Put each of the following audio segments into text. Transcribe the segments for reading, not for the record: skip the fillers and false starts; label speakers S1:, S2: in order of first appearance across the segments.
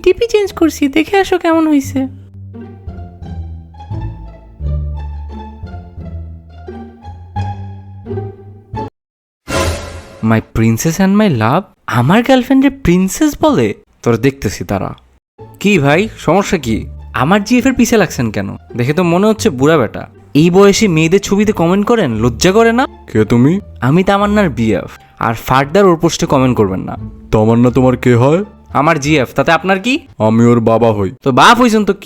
S1: টিপি চেঞ্জ করছি, দেখে আসো কেমন হয়েছে।
S2: মাই প্রিন্সেস অ্যান্ড মাই লাভ, আমার গার্লফ্রেন্ডের প্রিন্সেস বলে? তোরা দেখতেছি তারা। কি ভাই সমস্যা কি? আমার জিএফ এর পিছে লাগছেন কেন? দেখে তো মনে হচ্ছে বুড়া বেটা। এই বয়সে মেয়েদের ছবিতে কমেন্ট করেন, লজ্জা করে না?
S3: কে তুমি?
S2: আমি তামান্নার বিএফ, আর ফার্দার ওর পোস্টে কমেন্ট করবেন না।
S3: তামান্না তোমার কে হয়?
S2: আমার জিএফ, তাতে আপনার কি?
S3: আমি ওর বাবা হই।
S2: তো বাপ হইছেন তো কি?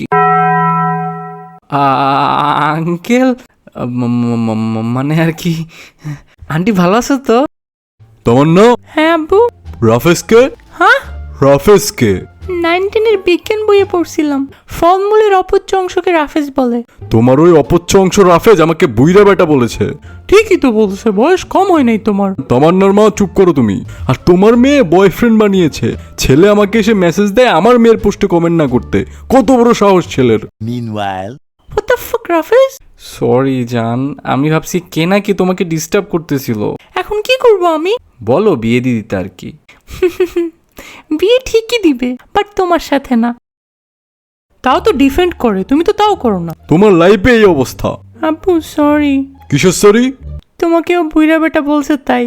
S2: আঙ্কেল, মানে আর কি। আন্টি ভালো আছো তো?
S3: তামান্না,
S1: হ্যাঁ আব্বু।
S3: রাফেজ কে?
S1: হ্যাঁ,
S3: রাফেজ কে?
S1: 19-এর বিজ্ঞান বইয়ে পড়ছিলাম, ফলমূলের অপচ্য অংশকে রাফেজ বলে।
S3: তোমার ওই অপচ্ছ অংশ রাফেজ আমাকে বুইরা বেটা বলেছে।
S1: ঠিকই তো বলছে, বয়স কম হয় নাই তোমার।
S3: তামান্নার মা চুপ করো তুমি। আর তোমার মেয়ে বয়ফ্রেন্ড বানিয়েছে। ছেলে আমাকে এসে মেসেজ দেয় আমার মেয়ের পোস্টে কমেন্ট না করতে। কত বড় সাহস ছেলের।
S4: Meanwhile,
S1: What the fuck, রাফেজ?
S2: সরি জান, আমি ভাবছি কে নাকি তোমাকে ডিস্টার্ব করতেছিল।
S1: এখন কি করব আমি?
S2: বলো বিয়ে দিয়ে দিতে আর কি।
S1: বিয়ে ঠিকই দিবে, বাট তোমার সাথে না। তাও তো ডিফেন্ড করে, তুমি তো তাও করো না।
S3: তোমার লাইফে এই অবস্থা।
S1: আব্বু সরি,
S3: কিসের সরি?
S1: তোমাকেও বুইরা বেটা বলছে তাই।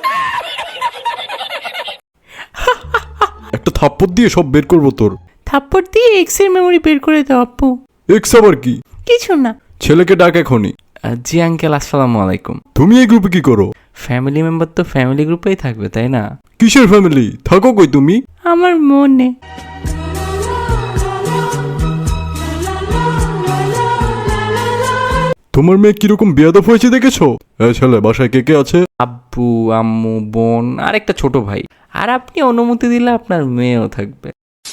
S3: একটা থাপ্পড় দিয়ে সব বের করবো তোর।
S1: থাপ্পড় দিয়ে এক্স এর মেমোরি বের করে দাও আব্বু।
S3: এক্স আবার কি?
S1: কিছু না।
S3: ছেলেকে ডাক এখনই।
S2: জি আঙ্কেল, আসসালামু আলাইকুম।
S3: তুমি এই গ্রুপে কি করো?
S2: ফ্যামিলি মেম্বার তো ফ্যামিলি গ্রুপেই থাকবে, তাই না?
S3: কিসের ফ্যামিলি? থাকো কই তুমি?
S1: আমার মনে।
S3: তোমার মেয়ে কিরকম বেয়াদব হয়েছে দেখেছো? ছেলে বাসায় কে কে আছে?
S2: আব্বু, আম্মু, বোন আর একটা ছোট ভাই। আর আপনি অনুমতি দিলে আপনার মেয়েও থাকবে।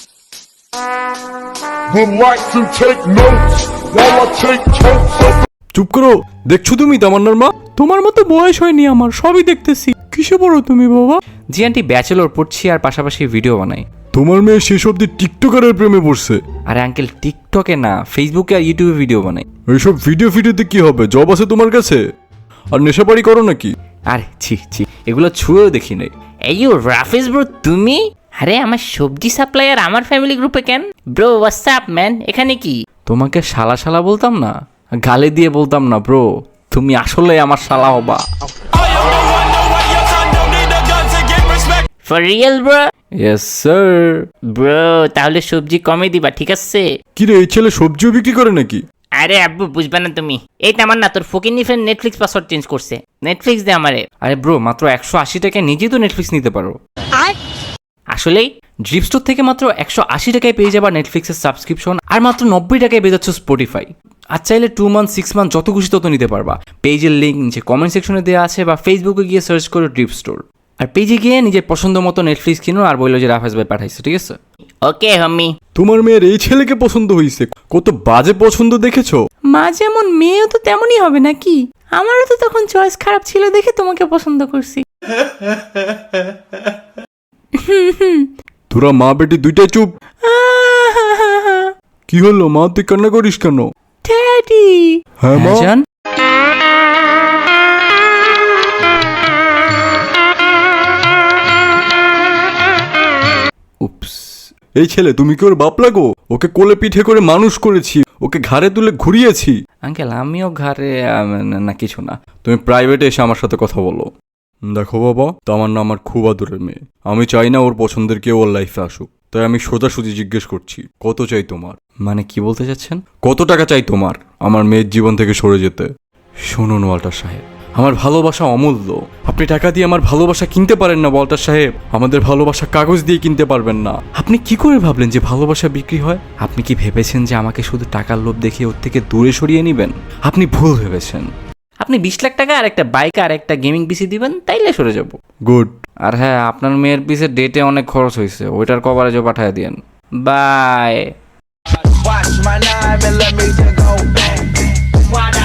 S5: Would like to take notes while I take totes of
S3: চুপ করো। দেখছো তুমি তামান্নার মা?
S1: তোমার মতো বয়স হয়নি আমার, সবই দেখতেছি। কিসে পড়ো তুমি বাবা?
S2: জি আন্টি, ব্যাচেলর পড়ছি আর পাশাপাশি ভিডিও বানাই।
S3: তোমার মেয়ে শেষ অব্দি টিকটকারের প্রেমে পড়ছে।
S2: আরে আঙ্কেল, টিকটকে না, ফেসবুকে আর ইউটিউবে ভিডিও বানাই।
S3: এইসব ভিডিওতে কি হবে? জব আছে তোমার কাছে? আর নেশাপাড়ি করো নাকি?
S2: আরে ছি ছি, এগুলো ছুঁয়েও দেখি নাই।
S6: এই রাফিজ ব্রো, তুমি? আরে আমার সবজি সাপ্লায়ার আমার ফ্যামিলি গ্রুপে কেন? ব্রো হোয়াটসঅ্যাপ ম্যান, এখানে কি?
S2: তোমাকে শালা শালা বলতাম না, গালি দিয়ে বলতাম না ব্রো। তুমি আসলে আমার শালা হবা।
S6: For real bro?
S2: Yes sir.
S6: Bro তাহলে সবজি কমে দিবা, ঠিক আছে?
S3: কিরে, এই ছেলে সবজিও বিক্রি করে নাকি?
S6: আরে আব্বু বুঝবা না তুমি। এই তামার না, তোর ফকিনি ফ্রেন্ড নেটফ্লিক্স পাসওয়ার্ড চেঞ্জ করছে। নেটফ্লিক্স দে আমারে।
S2: আরে ব্রো, মাত্র 180 টাকায় নিজেই তো নেটফ্লিক্স নিতে পারো।
S6: আসলেই?
S2: ড্রিপ স্টোর থেকে মাত্র 180 টাকায় পেয়ে যাবা নেটফ্লিক্সের সাবস্ক্রিপশন, আর মাত্র 90 টাকায় পেয়ে যাচ্ছ স্পটিফাই। আর চাইলে 2 মান্থ 6 মান্থ যত খুশি তত নিতে পারবা। পেজের লিঙ্ক নিচে কমেন্ট সেকশনে দেওয়া আছে, বা ফেসবুকে গিয়ে সার্চ করো ড্রিপ স্টোর। আর পেজে গিয়ে নিজের পছন্দ মতো নেটফ্লিক্স কিনো আর বললো যে রাফেজ ভাই পাঠাইছে, ঠিক আছে?
S6: ওকে হাম্মি।
S3: তোমার মেয়ের এই ছেলেকে পছন্দ হয়েছে। কত বাজে পছন্দ দেখেছো?
S1: মা যেমন মেয়েও তো তেমনই হবে নাকি? আমারও তো তখন চয়েস খারাপ ছিল দেখে তোমাকে পছন্দ করছি।
S3: তোরা মা বেটি দুইটাই চুপ। কি হলো মা, তুই কান্না করিস কেন?
S1: ড্যাডি।
S3: হ্যাঁ মা।
S2: জান, উপস।
S3: এই ছেলে, তুমি কি ওর বাপ লাগো? ওকে কোলে পিঠে করে মানুষ করেছি, ওকে ঘাড়ে তুলে ঘুরিয়েছি।
S2: আঙ্কেল আমিও ঘরে না কিছু না।
S3: তুমি প্রাইভেটে এসে আমার সাথে কথা বলো। দেখো বাবা, তামান্না আমার খুব আদরের মেয়ে। আমি চাই না ওর পছন্দের কেউ ওর লাইফে আসুক। তাই আমি সোজাসুজি জিজ্ঞেস করছি, কত চাই তোমার?
S2: মানে কি বলতে চাচ্ছেন?
S3: কত টাকা চাই তোমার আমার মেয়ের জীবন থেকে সরে যেতে?
S2: শুনুন ওয়াল্টার সাহেব, আমার ভালোবাসা অমূল্য। আপনি টাকা দিয়ে আমার ভালোবাসা কিনতে পারেন না ওয়াল্টার সাহেব। আমাদের ভালোবাসা কাগজ দিয়ে কিনতে পারবেন না। আপনি কি করে ভাবলেন যে ভালোবাসা বিক্রি হয়? আপনি কি ভেবেছেন যে আমাকে শুধু টাকার লোভ দেখিয়ে ওর থেকে দূরে সরিয়ে নেবেন? আপনি ভুল ভেবেছেন। আপনি 20 লাখ টাকা আর একটা বাইক আর একটা গেমিং পিসি দিবেন, তাইলে সরে যাব।
S3: গুড।
S2: আর হ্যাঁ, আপনার মেয়ের পিসে ডেটে অনেক খরচ হয়েছে, ওইটার কভারেজও পাঠিয়ে দিয়েন। Bye.
S4: watch my 9mm go bang.